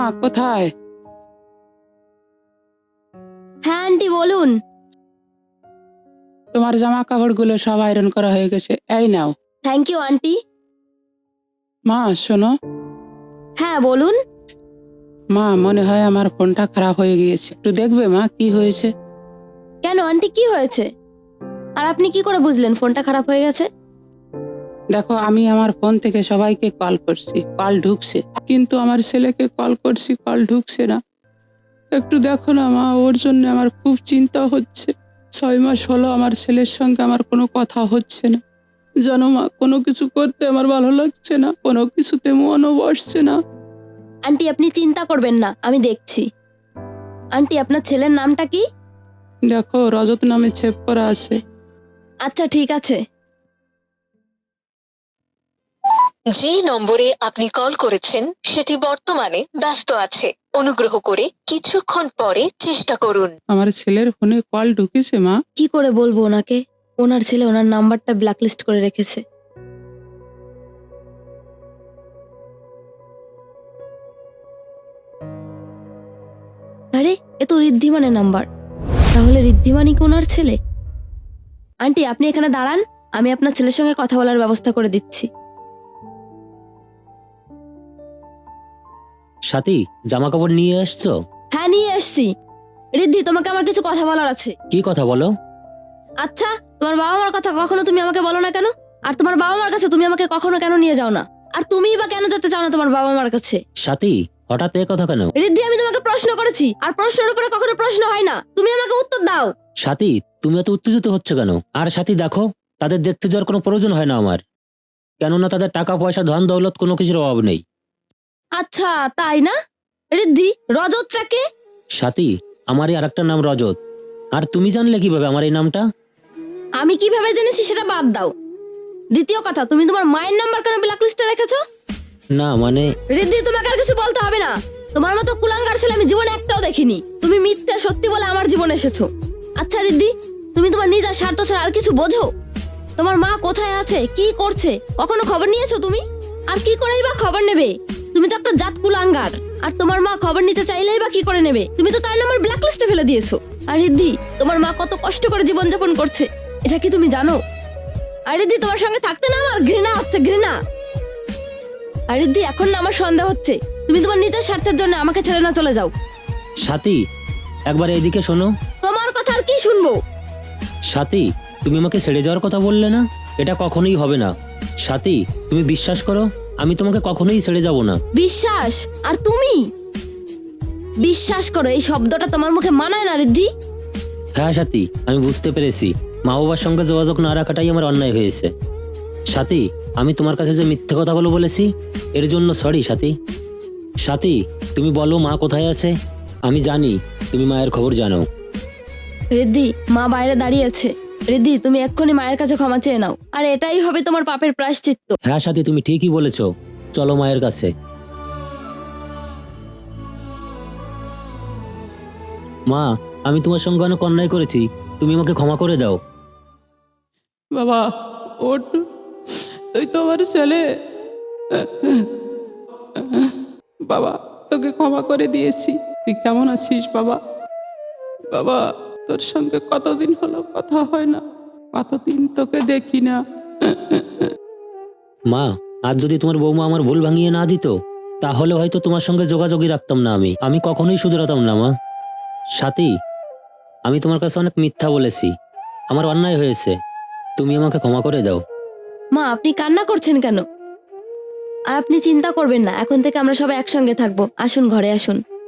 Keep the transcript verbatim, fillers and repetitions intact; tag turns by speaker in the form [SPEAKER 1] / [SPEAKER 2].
[SPEAKER 1] কোথায়?
[SPEAKER 2] হ্যাঁ আন্টি বলুন।
[SPEAKER 1] তোমার জামা কাপড়গুলো সব আয়রন করা হয়ে গেছে, এই নাও।
[SPEAKER 2] Thank you aunty.
[SPEAKER 1] মা শোনো।
[SPEAKER 2] হ্যাঁ বলুন।
[SPEAKER 1] মা মনে হয় আমার ফোনটা খারাপ হয়ে গিয়েছে, একটু দেখবে মা কি হয়েছে?
[SPEAKER 2] কেন আন্টি কি হয়েছে? আর আপনি কি করে বুঝলেন ফোনটা খারাপ হয়ে গেছে?
[SPEAKER 1] দেখো, আমি আমার ফোন থেকে সবাইকে কল করছি, কল ঢুকছে, কিন্তু আমার ছেলেকে কল করছি, কল ঢুকছে না। একটু দেখো না মা, ওর জন্য আমার খুব চিন্তা হচ্ছে। ছয় মাস হলো আমার ছেলের সঙ্গে আমার কোনো কথা হচ্ছে না। জানো মা, কোনো কিছু করতে আমার ভালো লাগছে না, কোনো কিছুতে মনও বসছে না।
[SPEAKER 2] আন্টি আপনি চিন্তা করবেন না, আমি দেখছি। আন্টি আপনার ছেলের নামটা কি?
[SPEAKER 1] দেখো, রজত নামে ছেপ করা আছে।
[SPEAKER 2] আচ্ছা ঠিক আছে।
[SPEAKER 3] যে নম্বরে আপনি কল করেছেন সেটি বর্তমানে ব্যস্ত আছে, অনুগ্রহ করে কিছুক্ষণ পরে চেষ্টা করুন।
[SPEAKER 1] আমার ছেলের ফোনে কল ঢুকেছে মা।
[SPEAKER 2] কি করে বলবো ওনাকে? ওনার ছেলে ওনার নাম্বারটা ব্ল্যাকলিস্ট করে রেখেছে। আরে এ তো ঋদ্ধিমানের নাম্বার। তাহলে ঋদ্ধিমানই কি ওনার ছেলে? আন্টি আপনি এখানে দাঁড়ান, আমি আপনার ছেলের সঙ্গে কথা বলার ব্যবস্থা করে দিচ্ছি।
[SPEAKER 4] সাথী, জামা কাপড় নিয়ে আসছো?
[SPEAKER 2] হ্যাঁ নিয়ে এসছি। ঋদ্ধি তোমাকে আমার কিছু কথা বলার আছে।
[SPEAKER 4] কি কথা বলো?
[SPEAKER 2] আচ্ছা, তোমার বাবা মার কথা কখনো তুমি আমাকে বলো না কেন? আর তোমার বাবা মার কাছে তুমি আমাকে কখনো কেন নিয়ে যাও না? আর তুমিই বা কেন যেতে চাও না তোমার বাবা মার কাছে?
[SPEAKER 4] সাথী, হঠাৎ এ কথা কেন?
[SPEAKER 2] ঋদ্ধি আমি তোমাকে প্রশ্ন করেছি, আর প্রশ্নের উপরে কখনো প্রশ্ন হয় না, তুমি আমাকে উত্তর দাও।
[SPEAKER 4] সাথী, তুমি এত উত্তেজিত হচ্ছ কেন? আর সাথী দেখো, তাদের দেখতে যাওয়ার কোনো প্রয়োজন হয় না আমার, কেননা তাদের টাকা পয়সা ধন দৌলত কোনো কিছুর অভাব নেই।
[SPEAKER 2] আচ্ছা তাই না? ঋদ্ধি, রজতটা কে?
[SPEAKER 4] সাথী, আমারই আর একটা নাম রজত। আর তুমি জানলে কিভাবে আমার এই নামটা?
[SPEAKER 2] আমি কিভাবে জেনেছি সেটা বাদ দাও। দ্বিতীয় কথা, তুমি তোমার মায়ের নাম্বার কেন ব্ল্যাকলিস্টে রেখেছো?
[SPEAKER 4] না মানে
[SPEAKER 2] ঋদ্ধি তোমাকে আর কিছু বলতে হবে না। তোমার মতো কুলাঙ্গার ছেলে আমি জীবনে একটাও দেখিনি। তুমি মিথ্যে সত্যি বলে আমার জীবনে এসেছো। আচ্ছা ঋদ্ধি, তুমি তোমার নিজের স্বার্থ ছাড়া আর কিছু বোঝো? তোমার মা কোথায় আছে, কি করছে, কখনো খবর নিয়েছো তুমি? আর কি করেই বা খবর নেবে? তুমি তো একটা জাত কুলাঙ্গার। আর তোমার মা খবর নিতে চাইলেই বা কি করে নেবে? তুমি তো তার নাম্বার ব্ল্যাকলিস্টে ফেলে দিয়েছো। আর ঋদ্ধি, তোমার মা কত কষ্ট করে জীবনযাপন করছে, এটা কি তুমি জানো? আর ঋদ্ধি, তোমার সঙ্গে থাকতে না আমার ঘৃণা হচ্ছে, ঘৃণা। আর ঋদ্ধি, এখন না আমার সন্দেহ হচ্ছে তুমি তোমার নিজের স্বার্থের জন্য আমাকে ছেড়ে না চলে যাও।
[SPEAKER 4] সাথী, একবার এইদিকে শোনো।
[SPEAKER 2] তোমার কথা আর কি শুনবো?
[SPEAKER 4] সাথী, তুমি আমাকে ছেড়ে যাওয়ার কথা বললে না, এটা কখনোই হবে না। সাথী, তুমি বিশ্বাস করো, আমি তোমাকে কখনোই ছেড়ে যাব না।
[SPEAKER 2] বিশ্বাস? আর তুমি? বিশ্বাস করো, এই শব্দটা তোমার মুখে মানায় না ঋদ্ধি।
[SPEAKER 4] হ্যাঁ সাথী, আমি বুঝতে পেরেছি মা বাবার সঙ্গে যোগাযোগ না রাখাটাই আমার অন্যায় হয়েছে। সাথী, আমি তোমার কাছে যে মিথ্যে কথাগুলো বলেছি এর জন্য সরি সাথী। সাথী, তুমি বলো মা কোথায় আছে? আমি জানি তুমি মায়ের খবর জানো।
[SPEAKER 2] ঋদ্ধি, মা বাইরে দাঁড়িয়ে আছে। ঋদ্ধি, তুমি এক্ষুনি মায়ের কাছে ক্ষমা চেয়ে নাও, আর এটাই হবে তোমার পাপের প্রায়শ্চিত্ত।
[SPEAKER 4] হ্যাঁ সাথী, তুমি ঠিকই বলেছো, চলো মায়ের কাছে। মা, আমি তোমার সঙ্গে অনেক অন্যায় করেছি, তুমি আমাকে ক্ষমা করে দাও।
[SPEAKER 1] বাবা ওঠ, তুই তো আমার ছেলে। বাবা, তোকে ক্ষমা করে দিয়েছি। তুই কেমন আছিস বাবা? বাবা, তোর সঙ্গে কতদিন হলো কথা হয় না, কতদিন তোকে দেখি না।
[SPEAKER 4] মা, আজ যদি তোমার বৌমা আমার ভুল ভাঙিয়ে না দিত তাহলে হয়তো তোমার সঙ্গে যোগাযোগই রাখতাম না। আমি আমি কখনোই শুধরাতাম না মা। সাথী, আমি তোমার কাছে অনেক মিথ্যা বলেছি, আমার অন্যায় হয়েছে, তুমি আমাকে ক্ষমা করে দাও।
[SPEAKER 2] মা আপনি কান্না করছেন কেন? আর আপনি চিন্তা করবেন না, এখন থেকে আমরা সবাই একসঙ্গে থাকবো। আসুন ঘরে আসুন।